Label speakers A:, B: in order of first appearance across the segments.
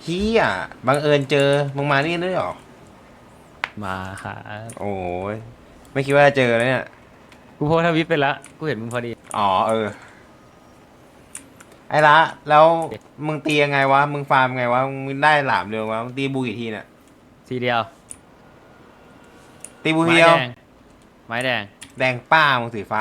A: พี่อ่ะบังเอิญเจอมึงมานี่ด้วยเหรอ
B: มาค่ะ
A: โอ้ยไม่คิดว่าจะเจอเลยเนี่ย
B: กูโพสต์ทวิตไปละกูเห็นมึงพอดี
A: อ๋อเออไอ้ละแล้วมึงตียังไงวะมึงฟาร์มไงวะมึงได้หลามเร็ววะมึงตีบูกี่ทีเนี่ย
B: ทีเดียว
A: ตีบูที
B: ไม้แด
A: เดียว
B: งไม้แดง
A: แดงป้ามึงสีฟ้า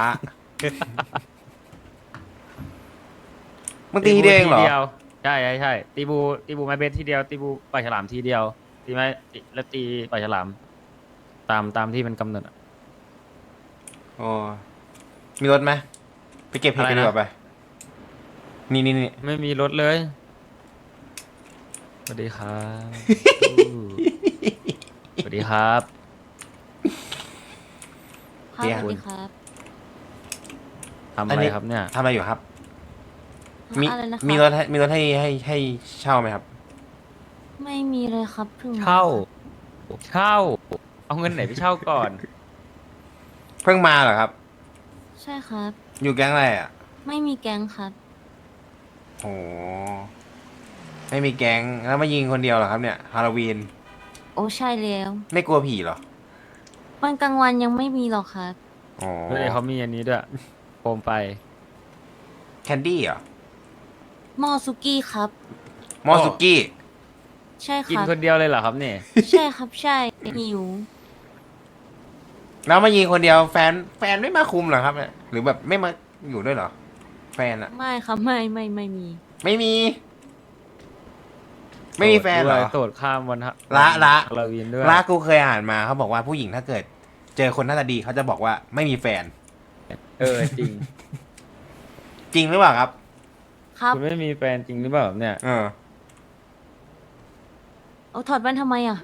A: มึงตีทีเดียวเองเหรอ
B: ใช่ใช่ใช่ตีบูไม้เบสทีเดียวตีบูปลาฉลามทีเดียวตีไม้แล้วตีปลาฉลามตามที่มันกำหนดอะ
A: โอ้มีรถไหมไปเก็บเห็ดกันดีกว่าไปนี่
B: ไม่มีรถเลยสวัสดีครับอู้สวัสดีครับ
C: ครับสวัสดีครับ
B: ทำอะไรครับเนี่ย
A: ทำอะไรอยู่ครับมี
C: อะไรนะค
A: มี
C: รับ
A: รถให้เช่าไหมครับ
C: ไม่มีเลยครับเพิ่งมา
B: เช่าเช่าเอาเงินไหนไปเช่าก่อน
A: เพิ่งมาเหรอครับ
C: ใช่ครับ
A: อยู่แก๊งอะไรอ่ะ
C: ไม่มีแก๊งครับ
A: โหไม่มีแก๊งแล้วมายิงคนเดียวเหรอครับเนี่ยฮาโลวีน
C: โอ้ใช่แล้ว
A: ไม่กลัวผีเหรอ
C: วันกลางวันยังไม่มีหรอกครับ
A: อ๋อ
B: เฮ้ยเขามีอันนี้ด้วยโคมไฟ
A: แคนดี้เหรอ
C: หม้อซุกี้ครับ
A: มอสุกี้
C: ใช่ค
B: กิน
C: รับ
B: คนเดียวเลยเหรอครับเนี่ย
C: ใช่ครับใช่หิว
A: แล้วมายิงคนเดียวแฟนไม่มาคุมเหรอครับเนี่ยหรือแบบไม่มาอยู่ด้วยเหรอ แฟนอะ
C: ไม่ครับไม่มี
A: ไม่มี ไม่มีแฟนเหรอ
B: โสดข้ามวันฮะ
A: ละ
B: ฮาโลวีนด้วย
A: ลากูเคยอ่านมาเขาบอกว่าผู้หญิงถ้าเกิด เจอคนหน้าตาดีเขาจะบอกว่าไม่มีแฟน
B: จริง
A: จริงหรือเปล่าครับ
C: ครับ
B: คุณไม่มีแฟนจริงหรือเปล่าครับเนี่ย
A: เออ
C: เอาถอดแว่นทำไมอ่ะ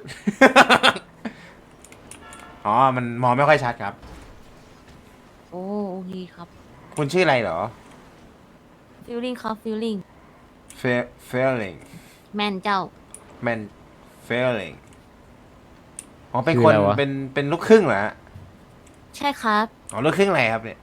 A: อ๋อ มันมองไม่ค่อยชัดครับ
C: โอ้โอเคครับ
A: คุณชื่ออะไรเหรอ
C: ฟิลลิ่งครับฟิลลิ่ง
A: Failing
C: แมนเจ้า
A: Man Failing อ๋อ เป็น
B: คือ
A: คน
B: อะไรวะ
A: เป็นลูกครึ่งเหรอฮะ
C: ใช่ครับ
A: อ๋อ ลูกครึ่งอะไรครับเนี่ย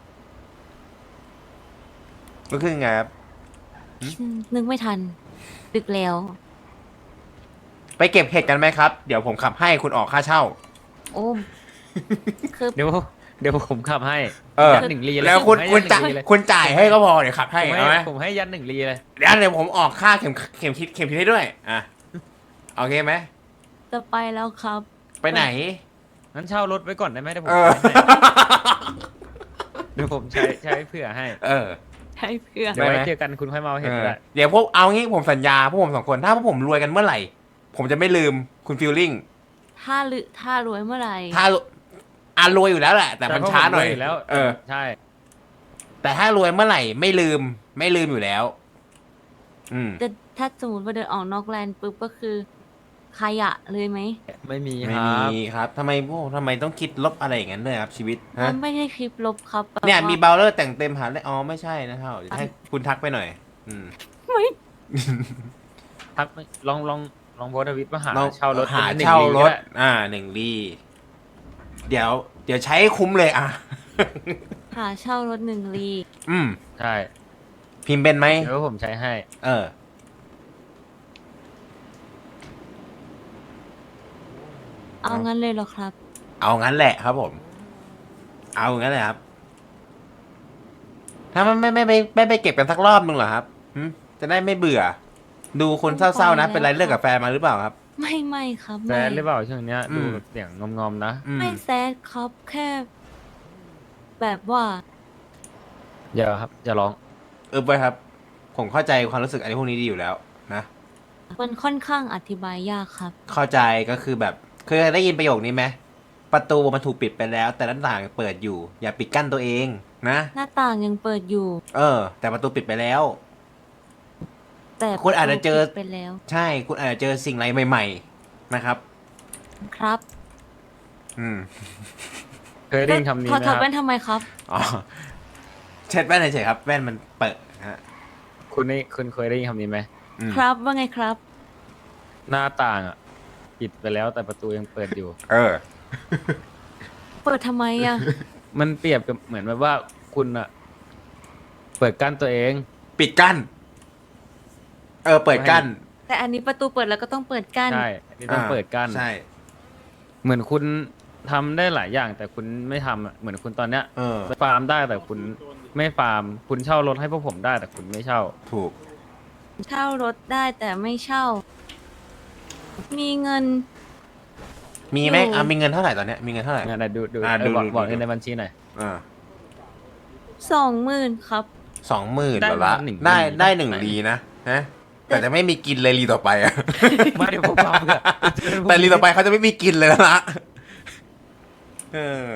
A: ลูกครึ่งไงครับ
C: นึกไม่ทัน ดึกแล้ว
A: ไปเก็บเห็ดกันไหมครับ เดี๋ยวผมขับให้คุณออกค่าเช่า
C: โอ้คือ
B: เดี๋ยวผมขับให้
A: เออ
B: ยัดหนึ่งลีเลย
A: แล้วคุณ
B: ผมให้ยัด
A: จ่าย
B: หนึ่งลีเลย
A: คุณจ่ายให้ก็พอเดี๋ยวขับให้
B: ผม
A: เอาไหม
B: ผมให้ยัดหนึ่งลีเลย
A: เดี๋ยวผมออกค่าเข็มทิศให้ด้วย อ่ะโอเคไหม
C: จะไปแล้วครับ
A: ไปไหน
B: งั้นเช่ารถไว้ก่อนได้ไหมเดี๋ยวผม
A: เออ
B: ใช้ให้เดี๋ยวผมใช้เผื่อให้
A: เออ
C: ใช่เพื่อน
B: เดี๋ยวไว้
A: ได้ไหม
B: เจอกันคุณค่อยมาเอาเห็น
A: เออ
B: ได้
A: เดี๋ยวพวกเอางี้ผมสัญญาพวกผมสองคน ถ้าพวกผมรวยกันเมื่อไหร่ ผมจะไม่ลืมคุณฟิลลิ่ง
C: ถ้ารวยเมื่อไหร่
A: ถ้ารวยอยู่แล้วแหละ แต่มันช้าหน่อย
B: แต่ผมรวแล้ว
A: เออ
B: ใช่
A: แต่ถ้ารวยเมื่อไหร่ไม่ลืมอยู่แล้ว อืม
C: แต่ถ้าสมมติว่าเดินออกนอกแลนด์ปุ๊บก็คือขยะเลยไหม
B: ไม่มี
A: ไม่
B: ค
A: มี
B: รับ
A: ครับทำไมต้องคิดลบอะไรอย่างนั้นด้วยครับชีวิตฮะ
C: มันไม่ใช่คลิปลบครับแบบ
A: เนี่ย
C: ว่า
A: มีเบลเลอร์แต่งเต็มหาเลยอ๋อไม่ใช่นะเท่าเดี๋ยวให้คุณทักไปหน่อย อืม
C: ไม่
B: ทักลองโพสต์ทวิตมาหา
A: ลอง
B: เช่ารถ
A: หา
B: เป็นหนึ่ง
A: เช่า
B: ลี
A: ร
B: ก็
A: ถ
B: ได้
A: หนึ่งลีเดี๋ยวใช้ให้คุ้มเลยอ่ะ
C: หาเช่ารถหนึ่งลี
A: อืม
B: ใช่
A: พิมพ์เป็นไหม
B: เดี๋ยวผมใช้ให้
A: เออ
C: เอางั้นเลยเหรอครับ
A: เอางั้นแหละครับผม เอางั้นแหละครับ ถ้ามันไม่ไปเก็บกันสักรอบนึงเหรอครับหึจะได้ไม่เบื่อ ดูคนเศร้าๆนะ เป็นไรเลิกกับแฟนมาหรือเปล่าครับ
C: ไม่ครับ
B: แซ
C: ไม่
B: ดหรือเปล่าช่วงเนี้ย
A: อืม
B: ดูแบบเสียงงอมๆนะ
A: อืม
C: ไม่แซดครับแค่ แบบว่า
B: อย่าครับอย่าร้อง
A: ไปครับ ผมเข้าใจความรู้สึกอะไรพวกนี้ดีอยู่แล้วนะ
C: มันค่อนข้างอธิบายยากครับ
A: เข้าใจก็คือแบบเคยได้ยินประโยคนี้ไหมประตูมันถูกปิดไปแล้ว แต่หน้าต่างเปิดอยู่ อย่าปิดกั้นตัวเองนะ
C: หน้าต่างยังเปิดอยู่
A: แต่ประตูปิดไปแล้ว
C: แต่
A: คุณอาจจะเจอ
C: ปิดไปแล้ว
A: ใช่คุณอาจจะเจอสิ่งอะไรใหม่ ๆ นะครับ
C: ครับ
A: อืม
B: เคยได้ยินคำนี้
C: ถอด
B: ไหม
C: ถ
B: ค
C: อด
B: รับ
C: แว่นทำไมครับ
A: อ๋อเช็ดแว่นเฉยๆครับ แว่นมันเปิดฮะ
B: คุณเคยได้ยินคำนี้ไหม
A: อืม
C: ครับว่าไงครับ
B: หน้าต่างอ่ะปิดไปแล้วแต่ประตูยังเปิดอยู่
A: เออ
C: เปิดทำไมอ่ะ
B: มันเปรียบกับเหมือนแบบว่าคุณอ่ะ เปิดกั้นตัวเอง
A: ปิดกั้น เปิดกั้น
C: แต่อันนี้ประตูเปิดแล้วก็ต้องเปิดกั้น
B: ใช่นี่ต้องเปิดกั้น
A: ใช่
B: เหมือนคุณทำได้หลายอย่าง แต่คุณไม่ทำอะเหมือนคุณตอนเนี้ย
A: เออ
B: ฟาร์มได้แต่คุณไม่ฟาร์ม คุณเช่ารถให้พวกผมได้แต่คุณไม่เช่า
A: ถูก
C: เช่ารถได้แต่ไม่เช่า มีเงิน
A: มีไหม
C: อยู่
A: มีเงินเท่าไหร่ตอนเนี้ยมีเงินเท่าไหร่
B: งั้นนะดู
A: ดู
B: บอก
A: ดู
B: เงินในบัญชีหน่อย
A: อ่า
C: 20,000ครับ
A: 20,000
B: ได้
A: เหรอละ
B: หนึ่ง
A: ได้
B: ลี
A: ได้1 ลีนะนะแต่จะไม่มีกินเลยลีต่อไปอะ
B: ไม่เดี๋ยวผมฟังอะ
A: แต่ลีต่อไปเขาจะไม่มีกินเลยแล้วละเออ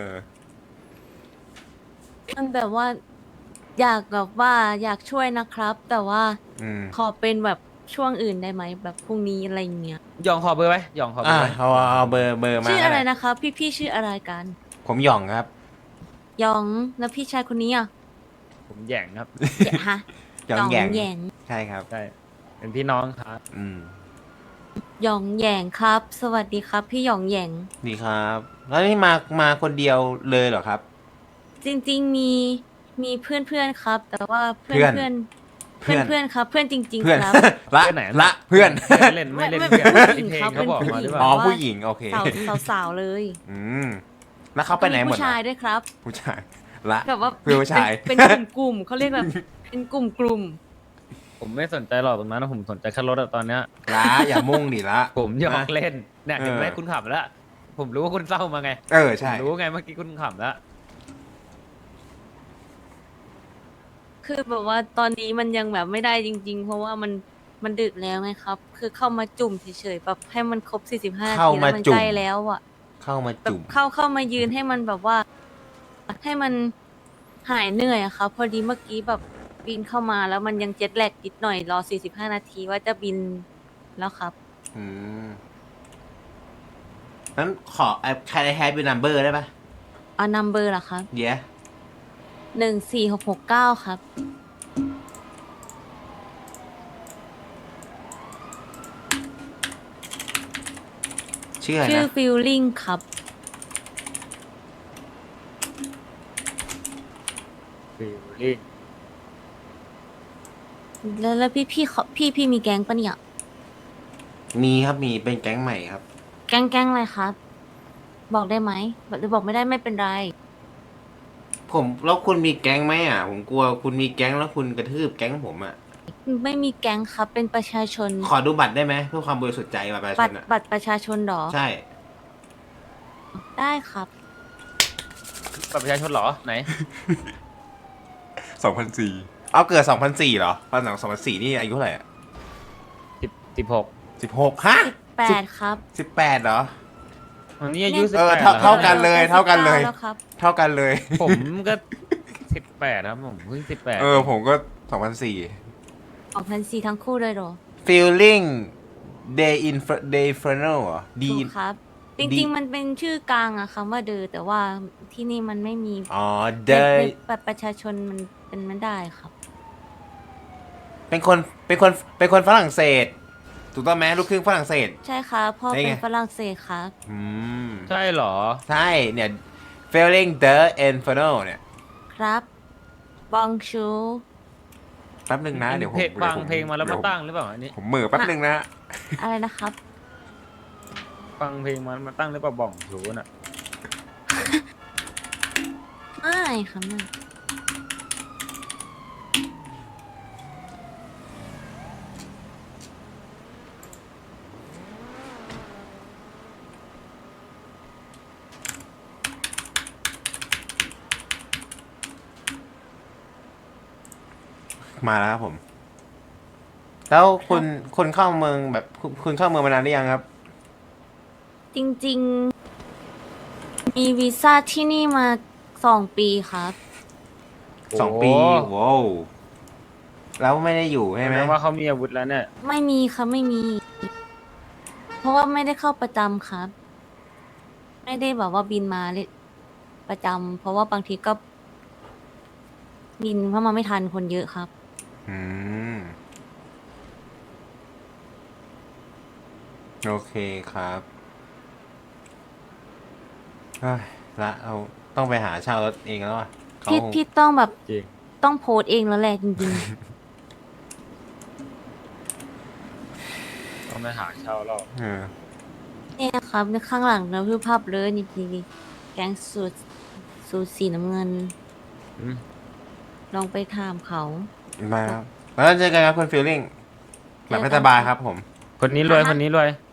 C: มันแบบว่า อยากแบบว่าอยากช่วยนะครับ แต่ว่า
A: อืม
C: ขอเป็นแบบช่วงอื่นได้ไหมแบบพรุ่งนี้อะไรอย่างเงี้ย
B: ยองขอเบอร์ไว้ยองขอเบอร์ไว้
A: เอาเบอร์มา
C: ชื่ออะไร
A: ก็ด้
C: นะครับ พี่ชื่ออะไรกัน
A: ผมหย่องครับ
C: ยองแล้วพี่ชายคนนี้อ่ะ
B: ผมแหย่งครับ
C: แหย่ฮะ
A: หย่องแหย่ง
C: แหยง
A: ใช่ครับ
B: ใช่ เป็นพี่น้องครับ
A: อืม
C: หยองแหยงครับ สวัสดีครับ พี่หยองแหยง
A: ดีครับ แล้วนี่มาคนเดียวเลยเหรอครับ
C: จริงๆมีเพื่อนๆครับ แต่ว่าเพื่
A: เพื่
C: อ
A: อน
C: นเพื่อนเพื่อนๆครับ เพื่อนจริง
A: เพื่อน
C: ๆครับ
A: ละ
B: เพื่อนไหน
A: ละเพื่อน
B: ไม่เล่นไม่เล่น
C: ไม่
B: เพื่อน
C: ไม่
B: ที่เพลง
C: ครับ
B: เขาบอกมาหรือเป
A: อ๋อ
B: ล่า
A: ผู้หญิงโอเค
C: สาวๆเลย
A: อืมแล้วเขาไปไหนหมด
C: ผู้ชาย
A: อะ
C: ด้วยครับ
A: ผู้ชายละ
C: แบบว่า
A: เพื่อนผู้ชาย
C: เป็นกลุ่มๆเขาเรียกแบบเป็นกลุ่ม
B: ผมไม่สนใจหรอกตรงนั้นนะผมสนใจแค่รถอะตอนเนี้ย
A: ละอย่ามุ่งดิละ
B: ผมหยอกเล่นเนี่ยเห็นไหม
A: เออ
B: คุณขับแล้ว ผมรู้ว่าคุณเศร้ามาไง
A: เออใช่
B: ผมรู้ไงเมื่อกี้คุณขับแล้ว
C: ๆคือแบบว่าตอนนี้มันยังแบบไม่ได้จริง ๆ เพราะว่ามันดึกแล้วไงครับ คือเข้ามาจุ่มเฉยๆแบบให้มันครบ45นา
A: เข้า
C: ที
A: มา
C: แล้วมัน
A: จุ่ม
C: ใกล้แล้วอ่ะ
A: เข้ามา
C: แบบ
A: จุ่ม
C: เข้ามายืนให้มันแบบว่า ให้มันหายเหนื่อยอะครับพอดีเมื่อกี้แบบบินเข้ามาแล้วมันยังเจ็ตแลกนิดหน่อยรอ45นาทีว่าจะบินแล้วครับ
A: อืมนั้นขอใครแฮปปี้นัมเบอร์ได้ปะ
C: เอานัมเบอร์ล่ะครับ
A: เดี๋ยว
C: 14669ครับ
A: ชื่ออะไร
C: ชื่อ
A: นะ
C: ฟิลลิ่งครับ
B: ฟิลลิ่ง
C: แล้วพี่มีแก๊งปะเนี่ย
A: มีครับมีเป็นแก๊งใหม่ครับ
C: แก๊งอะไรครับ บอกได้ไหมหรือบอกไม่ได้ไม่เป็นไร
A: ผมแล้วคุณมีแก๊งไหมอ่ะ ผมกลัวคุณมีแก๊งแล้วคุณกระทืบแก๊งผมอ่ะ
C: ไม่มีแก๊งครับเป็นประชาชน
A: ขอดูบัตรได้ไหมเพื่อความบริสุทธิ์ใจบัตรประชาชนอ่ะ
C: บัตรประชาชนเหรอ
A: ใช่
C: ได้ครับ
B: บัตรประชาชนเหรอไหน
A: 2004เอาเกิด2004เหรอตอนหลัง2004นี่อายุเท่าไหร่อ่ะ
B: 16
A: 16ฮะ
C: 8ครับ
A: 18เหรอ
B: อันนี้อายุ
A: เออ
B: 18
A: เท่ากันเลย
C: จะ
A: เท่ากันเลย
C: 19แล้วครับ
A: เท่ากันเลย
B: ผมก็18ครับผมเพิ่ง18
A: เออผมก็2004
C: 2004ทั้งคู่เลยเหรอ
A: feeling day infernal เหรอ D
C: ถูกครับ จ
A: ดี
C: ริงๆ มันเป็นชื่อกลางอะคำว่าเดอแต่ว่าที่นี่มันไม่มี
A: อ๋อ
C: ใน
A: the
C: บัตรประชาชนมันเป็นไม่ได้ครับ
A: เป็นคนฝรั่งเศส ถูกต้องไหมลูกครึ่งฝรั่งเศส
C: ใช่ครับพ่อ
A: ได้ไง
C: เป็นฝรั่งเศสครับ
A: อืม
B: ใช่เหรอ
A: ใช่เนี่ย feeling the infernal เนี่ย
C: ครับบองชู
A: แป๊บหนึ่งนะ เดี๋ยวผม
B: ฟังเพลงมาแล้วมาตั้งหรือเปล่าอันนี้
A: ผมเหม่อแป๊บหนึ่งนะ
C: อะไรนะครับ
B: ฟังเพลงมาตั้งหรือเปล่าบ่องชูน่ะ
C: ไม่ครับไม่
A: มาแล้วครับผม แล้วคุณเข้าเมืองแบบคุณเข้าเมืองมานานหรือยังครับ
C: จริงๆ มีวีซ่าที่นี่มา2 ปีครับ
A: 2 ปีว้าวแล้วไม่ได้อยู่ใช่ไหม
B: แม้ว่าเขามีอาวุธแล้วเนี่ย
C: ไม่มีครับไม่มี เพราะว่าไม่ได้เข้าประจำครับ ไม่ได้แบบว่าบินมาเลยประจำเพราะว่าบางทีก็ บินเพราะมาไม่ทันคนเยอะครับ
A: อืม โอเคครับเฮ้ยละเราต้องไปหาเช่ารถเองแล้วอ่ะเขา
C: พี่ต้องแบบ
B: จริง
C: ต้องโพสต์เองแล้วแหละจริง
B: ไปหาเช่าแล้ว
C: เนี่ยครับในข้างหลังนะคือภาพเลยนี่แก๊งสูตรสีน้ำเงิน
B: อืม
C: ลองไปถามเขา
A: มาครับแล้วเจอกันครับคุณฟิลลิ่งหลับให้สบายครับผม
B: คนนี้รวยคนนี้รวย